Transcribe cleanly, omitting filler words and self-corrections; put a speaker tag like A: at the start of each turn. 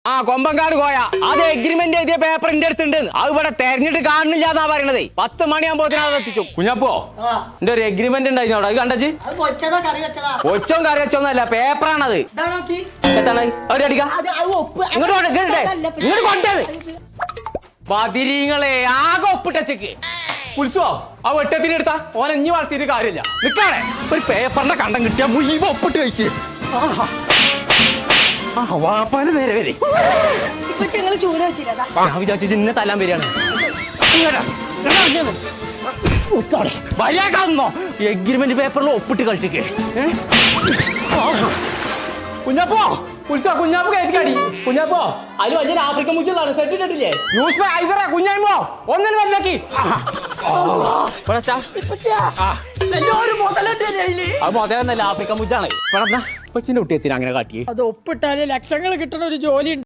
A: ആ കൊമ്പങ്കാട് കോയ അത് എഗ്രിമെന്റ് എഴുതിയ പേപ്പർ എന്റെ അടുത്തുണ്ട്. അത് ഇവിടെ തെരഞ്ഞിട്ട് കാണുന്നില്ല എന്നാ പറയണത്. 10 മണിയാകുമ്പോ അത് എത്തിച്ചു. കുഞ്ഞപ്പോ എന്റെ ഒരു എഗ്രിമെന്റ് ഉണ്ടായിരുന്നു അവിടെ. അത് കണ്ടച്ച് കൊച്ചോ കറി വെച്ചോന്നല്ല, പേപ്പറാണത്. എത്താണ് അവിടെ അടിക്കാം ഇങ്ങോട്ട് കൊണ്ടത് ബദിരീങ്ങളെ ആകെ ഒപ്പിട്ടച്ചക്ക്. ഉത്സവോ ആ വെട്ടത്തിന് എടുത്താ ഓനെ ഇഞ്ഞി വളർത്തിയിട്ട് കാര്യമില്ല. നിക്കാണേ ഒരു പേപ്പറിന്റെ കണ്ടം കിട്ടിയാ മുഴുവൻ ഒപ്പിട്ട് കഴിച്ച്. വാപ്പാന് നേരെ വരെ ഞാൻ വിചാരിച്ചു ഇന്നെ തല്ലാൻ വരികയാണ്. വരിയാക്കാന്നോ എഗ്രിമെന്റ് പേപ്പറിൽ ഒപ്പിട്ട് കളിച്ചേക്ക്. കുഞ്ഞപ്പോ ഉത്സവ കുഞ്ഞാപ്പ് കയറ്റിക്കാടി. കുഞ്ഞപ്പോ അതിൽ വലിയൊരു ആഫ്രിക്കൻ മുച്ചിലാണ് സെറ്റ് ഇട്ടിട്ടില്ലേ? യൂസ് ഐതറ കുഞ്ഞായ്മോ ഒന്നിനും വരില്ലാക്കി. അത് മുതലെന്നല്ല, ആഫ്രിക്കൻ മുച്ചാണ്. കൊച്ചിന്റെ കുട്ടി എത്തിന് അങ്ങനെ കാട്ടി.
B: അത് ഒപ്പിട്ടാല് ലക്ഷങ്ങൾ കിട്ടണ ഒരു ജോലി.